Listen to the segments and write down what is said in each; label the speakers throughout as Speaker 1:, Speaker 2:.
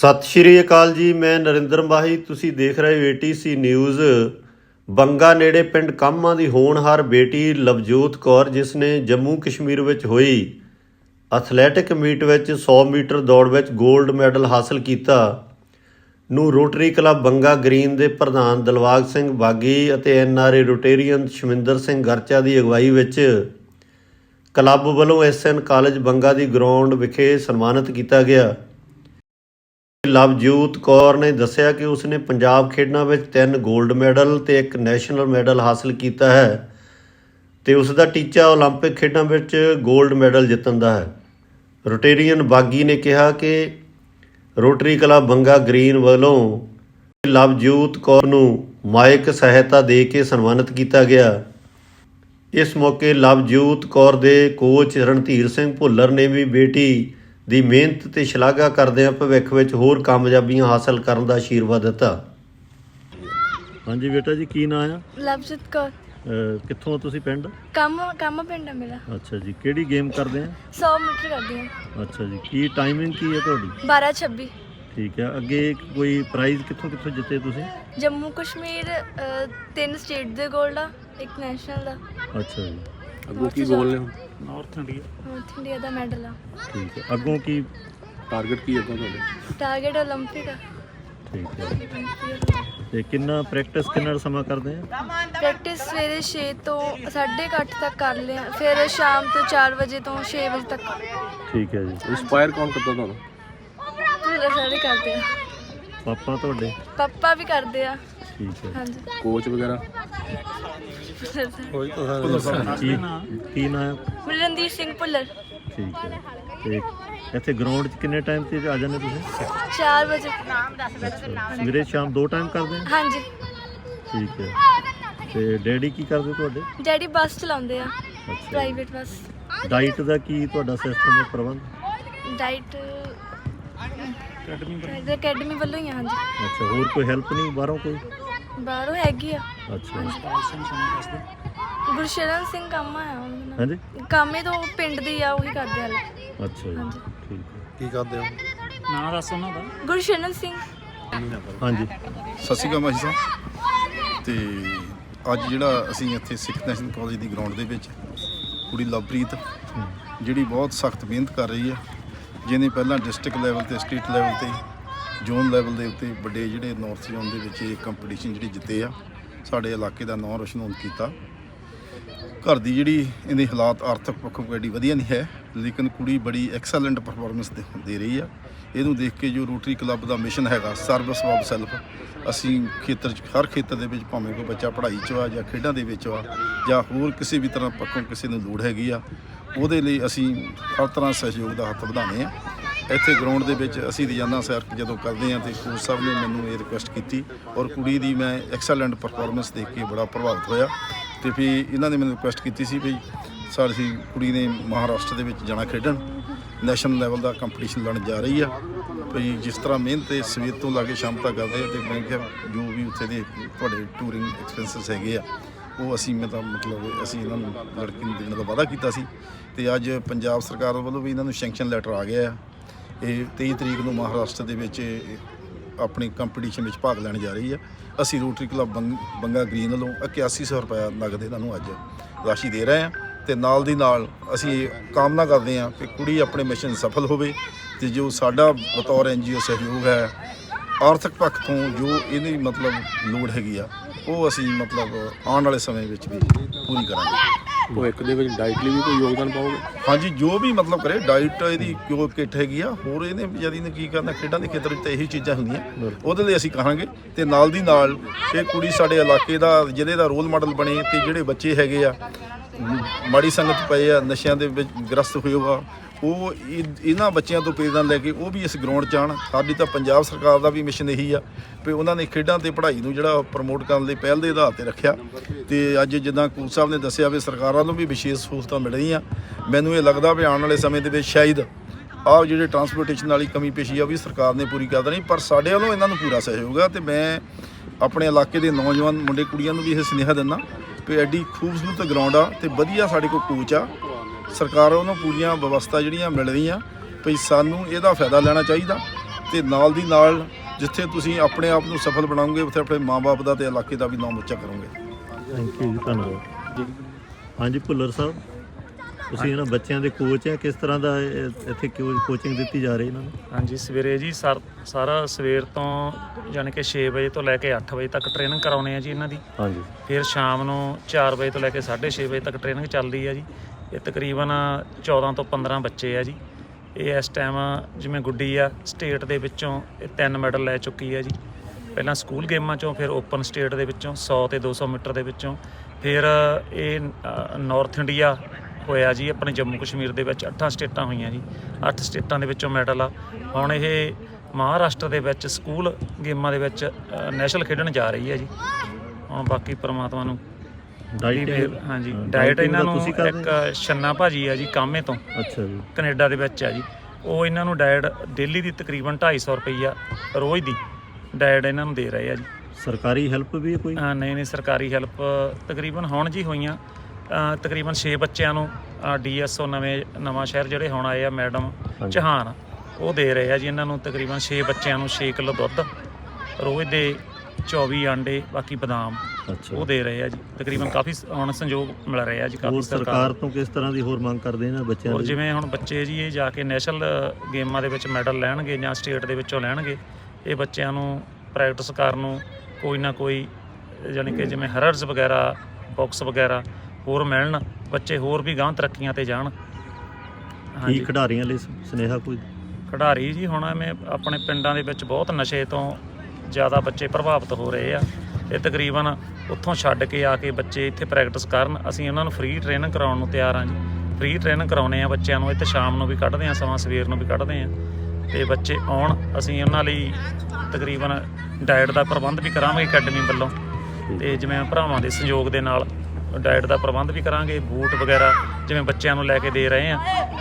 Speaker 1: ਸਤਿ ਸ਼੍ਰੀ ਅਕਾਲ ਜੀ। ਮੈਂ ਨਰਿੰਦਰ ਮਾਹੀ। ਤੁਸੀਂ ਦੇਖ ਰਹੇ ਹੋ ATC ਨਿਊਜ਼। ਬੰਗਾ ਨੇੜੇ ਪਿੰਡ ਕਾਮਾ ਦੀ ਹੋਣਹਾਰ ਬੇਟੀ ਲਵਜੋਤ ਕੌਰ, ਜਿਸ ਨੇ ਜੰਮੂ ਕਸ਼ਮੀਰ ਵਿੱਚ ਹੋਈ ਐਥਲੈਟਿਕ ਮੀਟ ਵਿੱਚ 100 ਮੀਟਰ ਦੌੜ ਵਿੱਚ ਗੋਲਡ ਮੈਡਲ ਹਾਸਲ ਕੀਤਾ, ਨੂੰ ਰੋਟਰੀ ਕਲੱਬ ਬੰਗਾ ਗ੍ਰੀਨ ਦੇ ਪ੍ਰਧਾਨ ਦਿਲਬਾਗ ਸਿੰਘ ਬਾਗੀ ਅਤੇ NRA ਰੋਟੇਰੀਅਨ ਸ਼ਮਿੰਦਰ ਸਿੰਘ ਗਰਚਾ ਦੀ ਅਗਵਾਈ ਵਿੱਚ ਕਲੱਬ ਵੱਲੋਂ SN ਕਾਲਜ ਬੰਗਾ ਦੀ ਗਰਾਊਂਡ ਵਿਖੇ ਸਨਮਾਨਿਤ ਕੀਤਾ ਗਿਆ। ਲਵਜੋਤ ਕੌਰ ਨੇ ਦੱਸਿਆ ਕਿ ਉਸਨੇ ਪੰਜਾਬ ਖੇਡਾਂ ਵਿੱਚ 3 ਗੋਲਡ ਮੈਡਲ ਤੇ 1 ਨੈਸ਼ਨਲ ਮੈਡਲ ਹਾਸਲ ਕੀਤਾ ਹੈ ਤੇ ਉਸ ਦਾ ਟੀਚਾ ਓਲੰਪਿਕ ਖੇਡਾਂ ਵਿੱਚ ਗੋਲਡ ਮੈਡਲ ਜਿੱਤਣ ਦਾ ਹੈ। ਰੋਟੇਰੀਅਨ ਬਾਗੀ ਨੇ ਕਿਹਾ ਕਿ ਰੋਟਰੀ ਕਲੱਬ ਬੰਗਾ ਗ੍ਰੀਨ ਵੱਲੋਂ ਲਵਜੋਤ ਕੌਰ ਨੂੰ ਮਾਇਕ ਸਹਾਇਤਾ ਦੇ ਕੇ ਸਨਮਾਨਿਤ ਕੀਤਾ ਗਿਆ। ਇਸ ਮੌਕੇ ਲਵਜੋਤ ਕੌਰ ਦੇ ਕੋਚ ਰਣਧੀਰ ਸਿੰਘ ਭੁੱਲਰ ਨੇ ਵੀ ਬੇਟੀ ਦੀ ਮਿਹਨਤ ਤੇ ਸ਼ਲਾਘਾ ਕਰਦਿਆਂ ਭਵਿੱਖ ਵਿੱਚ ਹੋਰ ਕਾਮਯਾਬੀਆਂ ਹਾਸਲ ਕਰਨ ਦਾ ਆਸ਼ੀਰਵਾਦ ਦਿੱਤਾ। ਹਾਂਜੀ ਬੇਟਾ ਜੀ, ਕੀ ਨਾਂ ਆ?
Speaker 2: ਲਵਜੋਤ ਕੌਰ।
Speaker 1: ਕਿੱਥੋਂ ਤੁਸੀਂ ਪਿੰਡ?
Speaker 2: ਕੰਮ ਪਿੰਡ ਆ ਮੇਰਾ।
Speaker 1: ਅੱਛਾ ਜੀ, ਕਿਹੜੀ ਗੇਮ ਕਰਦੇ ਆ?
Speaker 2: 100 ਮੀਟਰ ਕਰਦੀ ਆ।
Speaker 1: ਅੱਛਾ ਜੀ, ਕੀ ਟਾਈਮਿੰਗ ਕੀ ਹੈ ਤੁਹਾਡੀ?
Speaker 2: 12:26।
Speaker 1: ਠੀਕ ਹੈ। ਅੱਗੇ ਕੋਈ ਪ੍ਰਾਈਜ਼ ਕਿੱਥੋਂ ਜਿੱਤੇ ਤੁਸੀਂ?
Speaker 2: ਜੰਮੂ ਕਸ਼ਮੀਰ 3 ਸਟੇਟ ਦੇ ਗੋਲਡ ਆ, 1 ਨੈਸ਼ਨਲ ਦਾ।
Speaker 1: ਅੱਛਾ ਜੀ।
Speaker 3: ਅੱਗੋਂ ਕੀ ਗੋਲ ਨੇ?
Speaker 2: ਨਾਰਥ ਇੰਡੀਆ ਦਾ ਮੈਡਲ ਆ।
Speaker 1: ਠੀਕ ਹੈ। ਅੱਗੋਂ ਕੀ
Speaker 3: ਟਾਰਗੇਟ ਕੀ ਅੱਗੋਂ ਤੁਹਾਡੇ?
Speaker 2: ਟਾਰਗੇਟ ਓਲੰਪਿਕ ਆ।
Speaker 1: ਠੀਕ ਹੈ। ਤੇ ਕਿੰਨਾ ਸਮਾਂ ਕਰਦੇ ਆ?
Speaker 2: ਪ੍ਰੈਕਟਿਸ ਸਵੇਰੇ 6 ਤੋਂ 8:30 ਤੱਕ ਕਰ ਲਿਆ, ਫਿਰ ਸ਼ਾਮ ਤੋਂ 4 ਵਜੇ ਤੋਂ 6 ਵਜੇ ਤੱਕ।
Speaker 1: ਠੀਕ ਹੈ ਜੀ।
Speaker 3: ਇੰਸਪਾਇਰ ਕੌਣ ਕਰਦਾ ਤੁਹਾਨੂੰ?
Speaker 2: ਸਾਰੇ ਕਰਦੇ ਆ।
Speaker 1: ਪਾਪਾ ਤੁਹਾਡੇ?
Speaker 2: ਪਾਪਾ ਵੀ ਕਰਦੇ ਆ।
Speaker 1: ਠੀਕ ਹੈ।
Speaker 2: ਹਾਂਜੀ।
Speaker 3: ਕੋਚ ਵਗੈਰਾ?
Speaker 1: ਕੀ ਨਾਂ ਹੈ?
Speaker 2: ਰਣਧੀਰ ਸਿੰਘ ਭੁੱਲਰ।
Speaker 1: ਠੀਕ ਹੈ। ਤੇ ਇੱਥੇ ਗਰਾਊਂਡ 'ਚ ਕਿੰਨੇ ਟਾਈਮ ਤੇ ਆ ਜਾਂਦੇ ਤੁਸੀਂ?
Speaker 2: 4 ਵਜੇ।
Speaker 1: ਸਵੇਰੇ ਸ਼ਾਮ 2 ਟਾਈਮ ਕਰਦੇ ਆ?
Speaker 2: ਹਾਂਜੀ।
Speaker 1: ਠੀਕ ਹੈ। ਤੇ ਡੈਡੀ ਕੀ ਕਰਦੇ ਤੁਹਾਡੇ?
Speaker 2: ਡੈਡੀ ਬੱਸ ਚਲਾਉਂਦੇ ਆ,
Speaker 1: ਅੱਛਾ।
Speaker 2: Private bus.
Speaker 1: ਡਾਈਟ ਦਾ ਕੀ ਤੁਹਾਡਾ ਸਿਸਟਮ ਹੈ, ਪ੍ਰਬੰਧ?
Speaker 2: ਡਾਈਟ ਅਕੈਡਮੀ ਵੱਲੋਂ ਹੀ ਆ। ਹਾਂਜੀ।
Speaker 1: ਅੱਛਾ। ਹੋਰ ਕੋਈ ਹੈਲਪ ਨਹੀਂ ਬਾਹਰੋਂ? ਕੋਈ
Speaker 2: ਬਾਹਰੋਂ ਹੈਗੀ ਆ।
Speaker 1: ਅੱਛਾ।
Speaker 2: ਗੁਰਸ਼ਰਨ ਸਿੰਘ ਕਾਮਾ ਆ ਉਹਨਾਂ ਨਾਲ।
Speaker 1: ਹਾਂਜੀ।
Speaker 2: ਕਾਮੇ ਤੋਂ ਪਿੰਡ ਦੀ ਆ, ਉਹੀ ਕਰਦੇ ਆ।
Speaker 1: ਅੱਛਾ ਜੀ।
Speaker 2: ਹਾਂਜੀ।
Speaker 1: ਠੀਕ ਹੈ।
Speaker 3: ਕੀ ਕਰਦੇ ਹੋ?
Speaker 4: ਨਾਂ ਦੱਸ ਉਹਨਾਂ ਦਾ।
Speaker 2: ਗੁਰਸ਼ਰਨ ਸਿੰਘ।
Speaker 1: ਹਾਂਜੀ।
Speaker 5: ਸਤਿ ਸ਼੍ਰੀ ਅਕਾਲ ਮਾਹੀ ਸਾਹਿਬ। ਤੇ ਅੱਜ ਜਿਹੜਾ ਅਸੀਂ ਇੱਥੇ ਸਿੱਖ ਨੈਸ਼ਨਲ ਕਾਲਜ ਦੀ ਗਰਾਊਂਡ ਦੇ ਵਿੱਚ ਕੁੜੀ ਲਵਪ੍ਰੀਤ, ਜਿਹੜੀ ਬਹੁਤ ਸਖਤ ਮਿਹਨਤ ਕਰ ਰਹੀ ਹੈ, ਜਿਹਨੇ ਪਹਿਲਾਂ ਡਿਸਟ੍ਰਿਕਟ ਲੈਵਲ ਤੇ, ਸਟੇਟ ਲੈਵਲ ਤੇ, ਜ਼ੋਨ ਲੈਵਲ ਦੇ ਉੱਤੇ ਵੱਡੇ ਜਿਹੜੇ ਨਾਰਥ ਜ਼ੋਨ ਦੇ ਵਿੱਚ ਇਹ ਕੰਪੀਟੀਸ਼ਨ ਜਿਹੜੇ ਜਿੱਤੇ ਆ, ਸਾਡੇ ਇਲਾਕੇ ਦਾ ਨਾਂ ਰੋਸ਼ਨ ਕੀਤਾ। ਘਰ ਦੀ ਜਿਹੜੀ ਇਹਦੇ ਹਾਲਾਤ ਆਰਥਿਕ ਪੱਖੋਂ ਐਡੀ ਵਧੀਆ ਨਹੀਂ ਹੈ, ਲੇਕਿਨ ਕੁੜੀ ਬੜੀ ਐਕਸੈਲੈਂਟ ਪਰਫਾਰਮੈਂਸ ਦੇ ਰਹੀ ਆ। ਇਹਨੂੰ ਦੇਖ ਕੇ ਜੋ ਰੋਟਰੀ ਕਲੱਬ ਦਾ ਮਿਸ਼ਨ ਹੈਗਾ ਸਰਵਿਸ ਆਫ ਸੈਲਫ, ਅਸੀਂ ਖੇਤਰ 'ਚ ਹਰ ਖੇਤਰ ਦੇ ਵਿੱਚ ਭਾਵੇਂ ਕੋਈ ਬੱਚਾ ਪੜ੍ਹਾਈ 'ਚ ਆ ਜਾਂ ਖੇਡਾਂ ਦੇ ਵਿੱਚ ਆ ਜਾਂ ਹੋਰ ਕਿਸੇ ਵੀ ਤਰ੍ਹਾਂ ਪੱਖੋਂ ਕਿਸੇ ਨੂੰ ਲੋੜ ਹੈਗੀ ਆ, ਉਹਦੇ ਲਈ ਅਸੀਂ ਹਰ ਤਰ੍ਹਾਂ ਸਹਿਯੋਗ ਦਾ ਹੱਥ ਵਧਾਉਂਦੇ ਹਾਂ। ਇੱਥੇ ਗਰਾਊਂਡ ਦੇ ਵਿੱਚ ਅਸੀਂ ਰੋਜ਼ਾਨਾ ਸੈਰ ਜਦੋਂ ਕਰਦੇ ਹਾਂ, ਅਤੇ ਕੋਚ ਸਾਹਿਬ ਨੇ ਮੈਨੂੰ ਇਹ ਰਿਕੁਐਸਟ ਕੀਤੀ ਔਰ ਕੁੜੀ ਦੀ ਮੈਂ ਐਕਸੈਲੈਂਟ ਪਰਫਾਰਮੈਂਸ ਦੇਖ ਕੇ ਬੜਾ ਪ੍ਰਭਾਵਿਤ ਹੋਇਆ। ਅਤੇ ਫਿਰ ਇਹਨਾਂ ਨੇ ਮੈਨੂੰ ਰਿਕੁਐਸਟ ਕੀਤੀ ਸੀ ਵੀ ਸਾਡੀ ਕੁੜੀ ਨੇ ਮਹਾਰਾਸ਼ਟਰ ਦੇ ਵਿੱਚ ਜਾਣਾ ਖੇਡਣ, ਨੈਸ਼ਨਲ ਲੈਵਲ ਦਾ ਕੰਪੀਟੀਸ਼ਨ ਲੜਨ ਜਾ ਰਹੀ ਆ। ਵੀ ਜਿਸ ਤਰ੍ਹਾਂ ਮਿਹਨਤ ਸਵੇਰ ਤੋਂ ਲਾ ਕੇ ਸ਼ਾਮ ਤੱਕ ਕਰਦੇ ਆ, ਅਤੇ ਮੈਂ ਕਿਹਾ ਜੋ ਵੀ ਉੱਥੇ ਦੇ ਤੁਹਾਡੇ ਟੂਰਿੰਗ ਐਕਸਪੈਂਸਿਸ ਹੈਗੇ ਆ, ਉਹ ਅਸੀਂ ਅਸੀਂ ਇਹਨਾਂ ਨੂੰ ਲੜਕੀ ਨੂੰ ਦੇਣ ਦਾ ਵਾਅਦਾ ਕੀਤਾ ਸੀ। ਅਤੇ ਅੱਜ ਪੰਜਾਬ ਸਰਕਾਰ ਵੱਲੋਂ ਵੀ ਇਹਨਾਂ ਨੂੰ ਸੈਂਕਸ਼ਨ ਲੈਟਰ ਆ ਗਿਆ ਆ। ਇਹ 23 ਤਰੀਕ ਨੂੰ ਮਹਾਰਾਸ਼ਟਰ ਦੇ ਵਿੱਚ ਆਪਣੀ ਕੰਪੀਟੀਸ਼ਨ ਵਿੱਚ ਭਾਗ ਲੈਣ ਜਾ ਰਹੀ ਆ। ਅਸੀਂ ਰੋਟਰੀ ਕਲੱਬ ਬੰਗਾ ਗ੍ਰੀਨ ਵੱਲੋਂ 8100 ਰੁਪਇਆ ਨਗਦ ਇਹਨਾਂ ਨੂੰ ਅੱਜ ਰਾਸ਼ੀ ਦੇ ਰਹੇ ਹਾਂ, ਅਤੇ ਨਾਲ ਦੀ ਨਾਲ ਅਸੀਂ ਇਹ ਕਾਮਨਾ ਕਰਦੇ ਹਾਂ ਕਿ ਕੁੜੀ ਆਪਣੇ ਮਿਸ਼ਨ ਸਫਲ ਹੋਵੇ, ਅਤੇ ਜੋ ਸਾਡਾ ਬਤੌਰ NGO ਸਹਿਯੋਗ ਹੈ ਆਰਥਿਕ ਪੱਖ ਤੋਂ ਜੋ ਇਹਦੀ ਲੋੜ ਹੈਗੀ ਆ, ਉਹ ਅਸੀਂ ਆਉਣ ਵਾਲੇ ਸਮੇਂ ਵਿੱਚ ਵੀ ਪੂਰੀ ਕਰਾਂਗੇ।
Speaker 3: ਭਵਿੱਖ ਦੇ ਵਿੱਚ ਡਾਈਟ ਲਈ ਵੀ ਕੋਈ ਯੋਗਦਾਨ ਪਾਓਗੇ?
Speaker 5: ਹਾਂਜੀ, ਜੋ ਵੀ ਕਰੇ ਡਾਈਟ ਇਹਦੀ ਜੋ ਕਿੱਟ ਹੈਗੀ ਆ, ਹੋਰ ਇਹਨੇ ਵਿਚਾਰੀ ਨੇ ਕੀ ਕਰਨਾ, ਖੇਡਾਂ ਦੇ ਖੇਤਰ ਵਿੱਚ ਤਾਂ ਇਹੀ ਚੀਜ਼ਾਂ ਹੁੰਦੀਆਂ, ਉਹਦੇ ਲਈ ਅਸੀਂ ਕਹਾਂਗੇ। ਅਤੇ ਨਾਲ ਦੀ ਨਾਲ ਇਹ ਕੁੜੀ ਸਾਡੇ ਇਲਾਕੇ ਦਾ ਜ਼ਿਲ੍ਹੇ ਦਾ ਰੋਲ ਮਾਡਲ ਬਣੇ, ਅਤੇ ਜਿਹੜੇ ਬੱਚੇ ਹੈਗੇ ਆ ਮਾੜੀ ਸੰਗਤ ਪਏ ਆ, ਨਸ਼ਿਆਂ ਦੇ ਵਿੱਚ ਗ੍ਰਸਤ ਹੋਏ ਆ, ਉਹ ਇਹਨਾਂ ਬੱਚਿਆਂ ਤੋਂ ਪ੍ਰੇਰਨਾ ਲੈ ਕੇ ਉਹ ਵੀ ਇਸ ਗਰਾਊਂਡ 'ਚ ਆਉਣ। ਸਾਡੀ ਤਾਂ ਪੰਜਾਬ ਸਰਕਾਰ ਦਾ ਵੀ ਮਿਸ਼ਨ ਇਹੀ ਆ ਵੀ ਉਹਨਾਂ ਨੇ ਖੇਡਾਂ ਅਤੇ ਪੜ੍ਹਾਈ ਨੂੰ ਜਿਹੜਾ ਪ੍ਰਮੋਟ ਕਰਨ ਲਈ ਪਹਿਲ ਦੇ ਆਧਾਰ 'ਤੇ ਰੱਖਿਆ। ਅਤੇ ਅੱਜ ਜਿੱਦਾਂ ਕੋਚ ਸਾਹਿਬ ਨੇ ਦੱਸਿਆ ਵੀ ਸਰਕਾਰਾਂ ਨੂੰ ਵੀ ਵਿਸ਼ੇਸ਼ ਸਹੂਲਤਾਂ ਮਿਲ ਰਹੀਆਂ। ਮੈਨੂੰ ਇਹ ਲੱਗਦਾ ਵੀ ਆਉਣ ਵਾਲੇ ਸਮੇਂ ਦੇ ਵਿੱਚ ਸ਼ਾਇਦ ਆਹ ਜਿਹੜੇ ਟਰਾਂਸਪੋਰਟੇਸ਼ਨ ਵਾਲੀ ਕਮੀ ਪੇਸ਼ੀ ਆ ਵੀ ਸਰਕਾਰ ਨੇ ਪੂਰੀ ਕਰ ਦੇਣੀ, ਪਰ ਸਾਡੇ ਵੱਲੋਂ ਇਹਨਾਂ ਨੂੰ ਪੂਰਾ ਸਹਿਯੋਗ ਆ। ਅਤੇ ਮੈਂ ਆਪਣੇ ਇਲਾਕੇ ਦੇ ਨੌਜਵਾਨ ਮੁੰਡੇ ਕੁੜੀਆਂ ਨੂੰ ਵੀ ਇਹ ਸੁਨੇਹਾ ਦਿੰਦਾ ਵੀ ਐਡੀ ਖੂਬਸੂਰਤ ਗਰਾਊਂਡ ਆ ਅਤੇ ਵਧੀਆ ਸਾਡੇ ਕੋਲ ਕੋਚ ਆ, ਸਰਕਾਰ ਵੱਲੋਂ ਪੂਰੀਆਂ ਵਿਵਸਥਾ ਜਿਹੜੀਆਂ ਮਿਲ ਰਹੀਆਂ, ਵੀ ਸਾਨੂੰ ਇਹਦਾ ਫਾਇਦਾ ਲੈਣਾ ਚਾਹੀਦਾ। ਤੇ ਨਾਲ ਦੀ ਨਾਲ ਜਿੱਥੇ ਤੁਸੀਂ ਆਪਣੇ ਆਪ ਨੂੰ ਸਫਲ ਬਣਾਓਗੇ ਉੱਥੇ ਆਪਣੇ ਮਾਂ-ਬਾਪ ਦਾ ਤੇ ਇਲਾਕੇ ਦਾ ਵੀ ਨਾਮ ਉੱਚਾ ਕਰੋਗੇ।
Speaker 1: ਥੈਂਕ ਯੂ ਜੀ, ਧੰਨਵਾਦ। ਹਾਂਜੀ ਭੁੱਲਰ ਸਾਹਿਬ, ਤੁਸੀਂ ਇਹਨਾਂ ਬੱਚਿਆਂ ਦੇ ਕੋਚ ਹੈ, ਕਿਸ ਤਰ੍ਹਾਂ ਦਾ ਇੱਥੇ ਕੋਚਿੰਗ ਦਿੱਤੀ ਜਾ ਰਹੀ ਇਹਨਾਂ ਨੂੰ?
Speaker 4: ਹਾਂਜੀ, ਸਵੇਰੇ ਜੀ ਸਾਰਾ ਸਵੇਰ ਤੋਂ ਯਾਨੀ ਕਿ 6 ਵਜੇ ਤੋਂ ਲੈ ਕੇ 8 ਵਜੇ ਤੱਕ ਟ੍ਰੇਨਿੰਗ ਕਰਾਉਂਦੇ ਆ ਜੀ ਇਹਨਾਂ ਦੀ।
Speaker 1: ਹਾਂਜੀ।
Speaker 4: ਫਿਰ ਸ਼ਾਮ ਨੂੰ 4 ਵਜੇ ਤੋਂ ਲੈ ਕੇ 6:30 ਵਜੇ ਤੱਕ ਟ੍ਰੇਨਿੰਗ ਚੱਲਦੀ ਹੈ ਜੀ। ਇਹ ਤਕਰੀਬਨ 14 ਤੋਂ 15 ਬੱਚੇ ਆ ਜੀ। ਇਹ ਇਸ ਟਾਈਮ ਜਿਵੇਂ ਗੁੱਡੀ ਆ ਸਟੇਟ ਦੇ ਵਿੱਚੋਂ ਇਹ 3 ਮੈਡਲ ਲੈ ਚੁੱਕੀ ਹੈ ਜੀ। ਪਹਿਲਾਂ ਸਕੂਲ ਗੇਮਾਂ 'ਚੋਂ, ਫਿਰ ਓਪਨ ਸਟੇਟ ਦੇ ਵਿੱਚੋਂ 100 ਤੇ 200 ਮੀਟਰ ਦੇ ਵਿੱਚੋਂ, ਫਿਰ ਇਹ ਨਾਰਥ ਇੰਡੀਆ ਹੋਇਆ ਜੀ। ਆਪਣੇ ਜੰਮੂ ਕਸ਼ਮੀਰ ਦੇ ਵਿੱਚ 8 ਸਟੇਟਾਂ ਹੋਈਆਂ ਜੀ। 8 ਸਟੇਟਾਂ ਦੇ ਵਿੱਚੋਂ ਮੈਡਲ ਆ। ਹੁਣ ਇਹ ਮਹਾਰਾਸ਼ਟਰ ਦੇ ਵਿੱਚ ਸਕੂਲ ਗੇਮਾਂ ਦੇ ਵਿੱਚ ਨੈਸ਼ਨਲ ਖੇਡਣ ਜਾ ਰਹੀ ਹੈ ਜੀ। ਹੁਣ ਬਾਕੀ ਪਰਮਾਤਮਾ ਨੂੰ ਹਾਂਜੀ। ਡਾਇਟ ਇਹਨਾਂ ਨੂੰ ਇੱਕ ਛੰਨਾ ਭਾਜੀ ਆ ਜੀ ਕਾਮੇ ਤੋਂ,
Speaker 1: ਅੱਛਾ ਜੀ,
Speaker 4: ਕੈਨੇਡਾ ਦੇ ਵਿੱਚ ਆ ਜੀ। ਉਹ ਇਹਨਾਂ ਨੂੰ ਡਾਇਟ ਡੇਲੀ ਦੀ ਤਕਰੀਬਨ 250 ਰੁਪਈਆ ਰੋਜ਼ ਦੀ ਡਾਇਟ ਇਹਨਾਂ ਨੂੰ ਦੇ ਰਹੇ ਆ ਜੀ।
Speaker 1: ਸਰਕਾਰੀ ਹੈਲਪ ਵੀ ਹੈ ਕੋਈ?
Speaker 4: ਨਹੀਂ, ਸਰਕਾਰੀ ਹੈਲਪ ਤਕਰੀਬਨ ਹੁਣ ਜੀ ਹੋਈਆਂ। ਤਕਰੀਬਨ 6 ਬੱਚਿਆਂ ਨੂੰ DSO ਨਵਾਂ ਸ਼ਹਿਰ ਜਿਹੜੇ ਹੁਣ ਆਏ ਆ ਮੈਡਮ ਚੌਹਾਨ, ਉਹ ਦੇ ਰਹੇ ਆ ਜੀ ਇਹਨਾਂ ਨੂੰ। ਤਕਰੀਬਨ 6 ਬੱਚਿਆਂ ਨੂੰ 6 ਕਿਲੋ ਦੁੱਧ ਰੋਜ਼ ਦੇ, 24 ਆਂਡੇ, ਬਾਕੀ ਬਦਾਮ, ਉਹ ਦੇ ਰਹੇ ਆ ਜੀ। ਤਕਰੀਬਨ ਕਾਫੀ ਹੁਣ ਸੰਯੋਗ ਮਿਲ ਰਹੇ ਆ ਜੀ। ਕਾਫੀ
Speaker 1: ਸਰਕਾਰ ਤੋਂ ਕਿਸ ਤਰ੍ਹਾਂ ਦੀ ਹੋਰ ਮੰਗ ਕਰਦੇ ਇਹਨਾਂ ਬੱਚਿਆਂ ਦੀ?
Speaker 4: ਜਿਵੇਂ ਹੁਣ ਬੱਚੇ ਜੀ ਇਹ ਜਾ ਕੇ ਨੈਸ਼ਨਲ ਗੇਮਾਂ ਦੇ ਵਿੱਚ ਮੈਡਲ ਲੈਣਗੇ ਜਾਂ ਸਟੇਟ ਦੇ ਵਿੱਚੋਂ ਲੈਣਗੇ, ਇਹ ਬੱਚਿਆਂ ਨੂੰ ਪ੍ਰੈਕਟਿਸ ਕਰਨ ਨੂੰ ਕੋਈ ਨਾ ਕੋਈ ਯਾਨੀ ਕਿ ਜਿਵੇਂ ਹਰਰਸ ਵਗੈਰਾ, ਬਾਕਸ ਵਗੈਰਾ ਹੋਰ ਮਿਲਣ, ਬੱਚੇ ਹੋਰ ਵੀ ਗਾਂਹ ਤਰੱਕੀਆਂ ਤੇ ਜਾਣ।
Speaker 1: ਕੀ ਖਿਡਾਰੀਆਂ ਲਈ ਸੁਨੇਹਾ ਕੋਈ?
Speaker 4: ਖਿਡਾਰੀ ਜੀ ਹੁਣ ਐਵੇਂ ਆਪਣੇ ਪਿੰਡਾਂ ਦੇ ਵਿੱਚ ਬਹੁਤ ਨਸ਼ੇ ਤੋਂ ਜ਼ਿਆਦਾ ਬੱਚੇ ਪ੍ਰਭਾਵਿਤ ਹੋ ਰਹੇ ਆ। ਇਹ ਤਕਰੀਬਨ ਉੱਥੋਂ ਛੱਡ ਕੇ ਆ ਕੇ ਬੱਚੇ ਇੱਥੇ ਪ੍ਰੈਕਟਿਸ ਕਰਨ। ਅਸੀਂ ਉਹਨਾਂ ਨੂੰ ਫ੍ਰੀ ਟ੍ਰੇਨਿੰਗ ਕਰਾਉਣ ਨੂੰ ਤਿਆਰ ਹਾਂ ਜੀ। ਫ੍ਰੀ ਟ੍ਰੇਨਿੰਗ ਕਰਾਉਂਦੇ ਆ ਬੱਚਿਆਂ ਨੂੰ। ਇੱਥੇ ਸ਼ਾਮ ਨੂੰ ਵੀ ਕੱਢਦੇ ਹਾਂ ਸਮਾਂ, ਸਵੇਰ ਨੂੰ ਵੀ ਕੱਢਦੇ ਹਾਂ, ਤੇ ਬੱਚੇ ਆਉਣ। ਅਸੀਂ ਉਹਨਾਂ ਲਈ ਤਕਰੀਬਨ ਡਾਇਟ ਦਾ ਪ੍ਰਬੰਧ ਵੀ ਕਰਾਂਗੇ ਅਕੈਡਮੀ ਵੱਲੋਂ, ਤੇ ਜਿਵੇਂ ਭਰਾਵਾਂ ਦੇ ਸਹਿਯੋਗ ਦੇ ਨਾਲ ਡਾਇਟ ਦਾ ਪ੍ਰਬੰਧ ਵੀ ਕਰਾਂਗੇ। ਬੂਟ ਵਗੈਰਾ ਜਿਵੇਂ ਬੱਚਿਆਂ ਨੂੰ ਲੈ ਕੇ ਦੇ ਰਹੇ ਆ,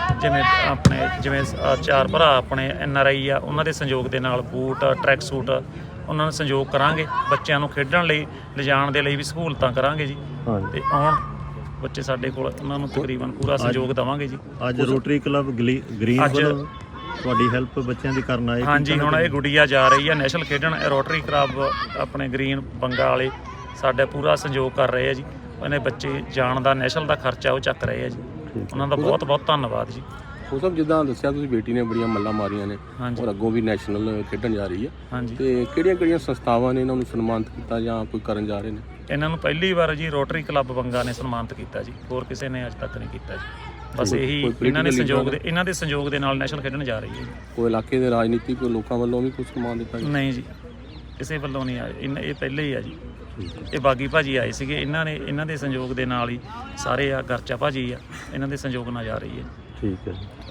Speaker 4: ਜਿਵੇਂ 4 ਭਰਾ ਆਪਣੇ NRI ਆ, ਉਹਨਾਂ ਦੇ ਸਹਿਯੋਗ ਦੇ ਨਾਲ ਬੂਟ, ਟਰੈਕ ਸੂਟ ਉਹਨਾਂ ਨੂੰ ਸਹਿਯੋਗ ਕਰਾਂਗੇ। ਬੱਚਿਆਂ ਨੂੰ ਖੇਡਣ ਲਈ ਲਿਜਾਣ ਦੇ ਲਈ ਵੀ ਸਹੂਲਤਾਂ ਕਰਾਂਗੇ ਜੀ। ਤੇ ਆਉਣ ਬੱਚੇ ਸਾਡੇ ਕੋਲ, ਉਹਨਾਂ ਨੂੰ ਤਕਰੀਬਨ ਪੂਰਾ ਸਹਿਯੋਗ ਦੇਵਾਂਗੇ ਜੀ।
Speaker 1: ਅੱਜ ਰੋਟਰੀ ਕਲੱਬ ਗ੍ਰੀਨ ਵੱਲੋਂ ਤੁਹਾਡੀ ਹੈਲਪ ਬੱਚਿਆਂ ਦੀ ਕਰਨ ਆਏ?
Speaker 4: ਹਾਂਜੀ, ਹੁਣ ਇਹ ਗੁੱਡੀਆ ਜਾ ਰਹੀ ਆ ਨੈਸ਼ਨਲ ਖੇਡਣ। ਰੋਟਰੀ ਕਲੱਬ ਆਪਣੇ ਗ੍ਰੀਨ ਬੰਗਾ ਵਾਲੇ ਸਾਡਾ ਪੂਰਾ ਸਹਿਯੋਗ ਕਰ ਰਹੇ ਆ ਜੀ। ਉਹਨੇ ਬੱਚੇ ਜਾਣ ਦਾ ਨੈਸ਼ਨਲ ਦਾ ਖਰਚਾ ਉਹ ਚੱਕ ਰਹੇ ਆ ਜੀ। ਉਹਨਾਂ ਦਾ ਬਹੁਤ ਬਹੁਤ ਧੰਨਵਾਦ ਜੀ।
Speaker 3: ਉਹ ਸਭ ਜਿੱਦਾਂ ਦੱਸਿਆ ਤੁਸੀਂ, ਬੇਟੀ ਨੇ ਬੜੀਆਂ ਮੱਲਾਂ ਮਾਰੀਆਂ ਨੇ ਔਰ ਅੱਗੋਂ ਵੀ ਨੈਸ਼ਨਲ ਖੇਡਣ ਜਾ ਰਹੀ ਹੈ।
Speaker 4: ਹਾਂਜੀ।
Speaker 3: ਤੇ ਕਿਹੜੀਆਂ ਸੰਸਥਾਵਾਂ ਨੇ ਇਹਨਾਂ ਨੂੰ ਸਨਮਾਨਿਤ ਕੀਤਾ ਜਾਂ ਕੋਈ ਕਰਨ ਜਾ ਰਹੇ ਨੇ?
Speaker 4: ਇਹਨਾਂ ਨੂੰ ਪਹਿਲੀ ਵਾਰ ਜੀ ਰੋਟਰੀ ਕਲੱਬ ਬੰਗਾ ਨੇ ਸਨਮਾਨਿਤ ਕੀਤਾ ਜੀ। ਹੋਰ ਕਿਸੇ ਨੇ ਅੱਜ ਤੱਕ ਨਹੀਂ ਕੀਤਾ ਜੀ। ਬਸ ਇਹੀ ਇਹਨਾਂ ਦੇ ਸੰਯੋਗ ਦੇ ਨਾਲ ਨੈਸ਼ਨਲ ਖੇਡਣ ਜਾ ਰਹੀ ਹੈ।
Speaker 3: ਕੋਈ ਇਲਾਕੇ ਦੇ ਰਾਜਨੀਤਿਕ ਲੋਕਾਂ ਵੱਲੋਂ ਵੀ ਕੋਈ ਸਨਮਾਨ ਦਿੱਤਾ ਜੀ?
Speaker 4: ਨਹੀਂ ਜੀ, ਕਿਸੇ ਵੱਲੋਂ ਨਹੀਂ ਆਇਆ। ਇਹ ਪਹਿਲੇ ਹੀ ਆ ਜੀ। ਇਹ ਬਾਗੀ ਭਾਜੀ ਆਏ ਸੀਗੇ, ਇਹਨਾਂ ਦੇ ਸੰਯੋਗ ਦੇ ਨਾਲ ਹੀ ਸਾਰੇ ਆ। ਗਰਚਾ ਭਾਜੀ ਆ, ਇਹਨਾਂ ਦੇ ਸੰਯੋਗ ਨਾਲ ਜਾ ਰਹੀ ਹੈ।
Speaker 1: ਠੀਕ ਹੈ।